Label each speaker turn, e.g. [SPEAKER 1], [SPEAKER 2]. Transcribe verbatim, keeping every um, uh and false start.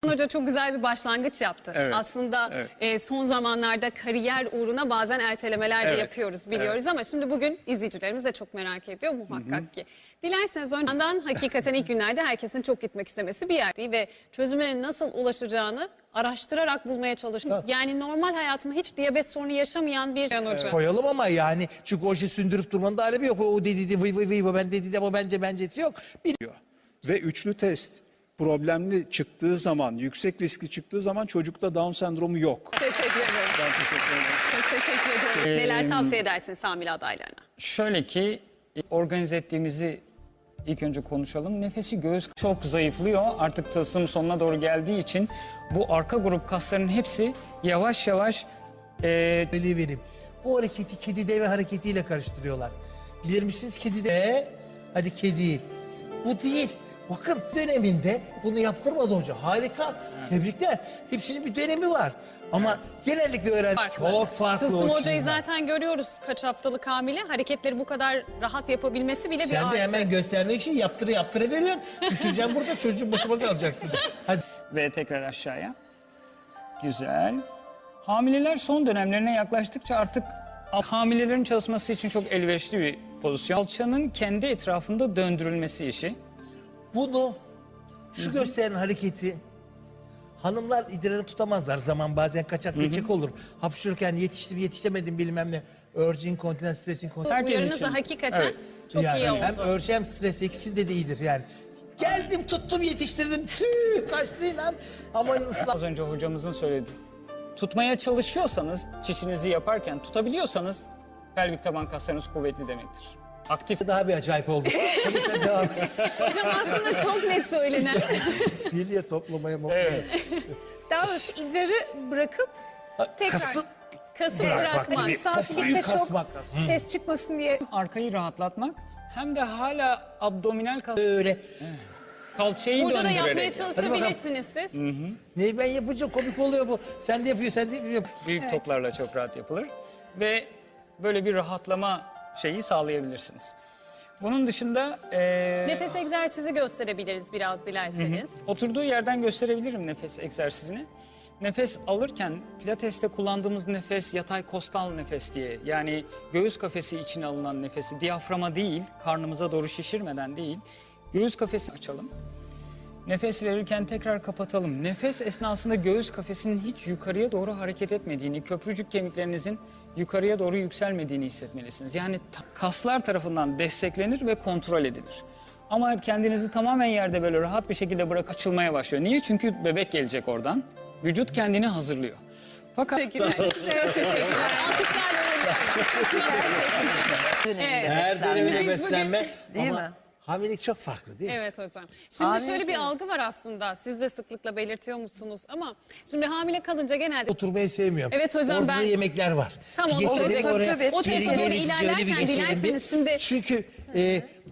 [SPEAKER 1] Hoca çok güzel bir başlangıç yaptı.
[SPEAKER 2] Evet,
[SPEAKER 1] Aslında
[SPEAKER 2] evet.
[SPEAKER 1] e, son zamanlarda kariyer uğruna bazen ertelemeler de
[SPEAKER 2] Evet,
[SPEAKER 1] yapıyoruz biliyoruz ama şimdi bugün izleyicilerimiz de çok merak ediyor muhakkak Hı -hı. ki. Dilerseniz önceden hakikaten ilk günlerde herkesin çok gitmek istemesi bir yer değil ve çözümüne nasıl ulaşacağını araştırarak bulmaya çalışın. Yani normal hayatında hiç diyabet sorunu yaşamayan bir Can Hoca.
[SPEAKER 3] Koyalım ama yani çünkü o işi sündürüp durmanın da alemi yok. O, o dedi de vıy vıy vıy ben dedi de ama bence bencesi yok. Biliyor.
[SPEAKER 2] Ve üçlü test problemli çıktığı zaman, yüksek riskli çıktığı zaman çocukta Down sendromu yok.
[SPEAKER 1] Teşekkür ederim.
[SPEAKER 2] Ben teşekkür ederim.
[SPEAKER 1] Çok teşekkür ederim. Neler tavsiye edersiniz hamile adaylarına?
[SPEAKER 4] Şöyle ki organize ettiğimizi ilk önce konuşalım. Nefesi göğüs çok zayıflıyor. Artık tılsım sonuna doğru geldiği için bu arka grup kasların hepsi yavaş yavaş e,
[SPEAKER 3] Öyle vereyim. Bu hareketi kedi deve hareketiyle karıştırıyorlar. Bilir misiniz kedi de? Hadi kedi. Bu değil. Bakın döneminde bunu yaptırmadı hoca. Harika. Tebrikler. Hepsinin bir dönemi var. Ama genellikle öğren çok farklı.
[SPEAKER 1] Tılsım
[SPEAKER 3] o
[SPEAKER 1] hocayı
[SPEAKER 3] içinden.
[SPEAKER 1] zaten görüyoruz kaç haftalık hamile. Hareketleri bu kadar rahat yapabilmesi bile bir
[SPEAKER 3] Sen
[SPEAKER 1] artı.
[SPEAKER 3] de hemen göstermek için yaptırı yaptırı veriyorsun. Düşüreceğim burada çocuğun başıma kalacaksın. Hadi.
[SPEAKER 4] ve tekrar aşağıya. Güzel. Hamileler son dönemlerine yaklaştıkça artık hamilelerin çalışması için çok elverişli bir pozisyon. Alçanın kendi etrafında döndürülmesi işi.
[SPEAKER 3] Bunu şu gösteren hareketi hanımlar idrarını tutamazlar. Zaman bazen kaçak geçecek olur. Hapşırırken yetiştim yetişemedim bilmem ne. Urge incontinence, stress incontinence.
[SPEAKER 4] Herkes
[SPEAKER 1] Uyarınız
[SPEAKER 4] için.
[SPEAKER 1] da hakikaten
[SPEAKER 4] Evet.
[SPEAKER 1] çok
[SPEAKER 3] yani
[SPEAKER 1] iyi oldu.
[SPEAKER 3] hem urge hem stres ikisinde de iyidir yani. Geldim tuttum yetiştirdim tüh kaçtı lan. Aman ıslah.
[SPEAKER 4] Az önce hocamızın söylediği. Tutmaya çalışıyorsanız, çişinizi yaparken tutabiliyorsanız pelvik taban kaslarınız kuvvetli demektir. Aktif.
[SPEAKER 3] Daha bir acayip oldu. Hadi sen devam et.
[SPEAKER 1] Hocam aslında çok net söylenen.
[SPEAKER 3] Bilye toplamaya mutlayın.
[SPEAKER 4] Evet.
[SPEAKER 5] Daha doğrusu idrarı bırakıp tekrar
[SPEAKER 3] Kasıp
[SPEAKER 1] Kasıp
[SPEAKER 3] Bırakmak
[SPEAKER 1] bırakmak.
[SPEAKER 3] gibi.
[SPEAKER 5] safilikte çok
[SPEAKER 3] kasmak.
[SPEAKER 5] ses çıkmasın diye.
[SPEAKER 4] Arkayı rahatlatmak hem de hala abdominal kas
[SPEAKER 3] Öyle.
[SPEAKER 4] kalçayı
[SPEAKER 1] Burada da
[SPEAKER 4] döndürerek.
[SPEAKER 1] yapmaya çalışabilirsiniz siz.
[SPEAKER 3] Ne ben yapınca komik oluyor bu. Sen de yapıyor sen de yapıyor.
[SPEAKER 4] Büyük toplarla çok rahat yapılır ve böyle bir rahatlama şeyi sağlayabilirsiniz. Bunun dışında eee,
[SPEAKER 1] Nefes egzersizi gösterebiliriz biraz dilerseniz.
[SPEAKER 4] oturduğu yerden gösterebilirim nefes egzersizini. Nefes alırken pilateste kullandığımız nefes yatay kostal nefes diye. Yani göğüs kafesi içine alınan nefesi diyaframa değil, karnımıza doğru şişirmeden değil. Göğüs kafesi açalım. Nefes verirken tekrar kapatalım. Nefes esnasında göğüs kafesinin hiç yukarıya doğru hareket etmediğini, köprücük kemiklerinizin yukarıya doğru yükselmediğini hissetmelisiniz. Yani kaslar tarafından desteklenir ve kontrol edilir. Ama kendinizi tamamen yerde böyle rahat bir şekilde bırak açılmaya başlıyor. Niye? Çünkü bebek gelecek oradan. Vücut kendini hazırlıyor. Fakat
[SPEAKER 1] Teşekkürler. Çok teşekkürler. Alkışlarla Evet.
[SPEAKER 3] Her
[SPEAKER 1] Şimdi
[SPEAKER 3] dönemde
[SPEAKER 1] biz bugün-
[SPEAKER 3] beslenme
[SPEAKER 6] Değil
[SPEAKER 3] ama
[SPEAKER 6] mi?
[SPEAKER 3] hamilelik çok farklı değil mi?
[SPEAKER 1] Evet hocam. Şimdi
[SPEAKER 6] Hamile
[SPEAKER 1] şöyle bir
[SPEAKER 6] mi?
[SPEAKER 1] algı var aslında. Siz de sıklıkla belirtiyor musunuz? Ama şimdi hamile kalınca genelde...
[SPEAKER 3] Oturmayı sevmiyorum.
[SPEAKER 1] Evet hocam,
[SPEAKER 3] Orada
[SPEAKER 1] ben-
[SPEAKER 3] da yemekler var.
[SPEAKER 1] Tam
[SPEAKER 3] Bir
[SPEAKER 1] onu
[SPEAKER 3] geçelim
[SPEAKER 1] söyleyecektim.
[SPEAKER 3] oraya,
[SPEAKER 6] Tabii, tabii.
[SPEAKER 1] O
[SPEAKER 3] geri
[SPEAKER 1] tarafa doğru
[SPEAKER 3] gelin, siz öyle bir
[SPEAKER 1] ilerlerken
[SPEAKER 3] geçelim bir.
[SPEAKER 1] dilerseniz şimdi...
[SPEAKER 3] Çünkü e,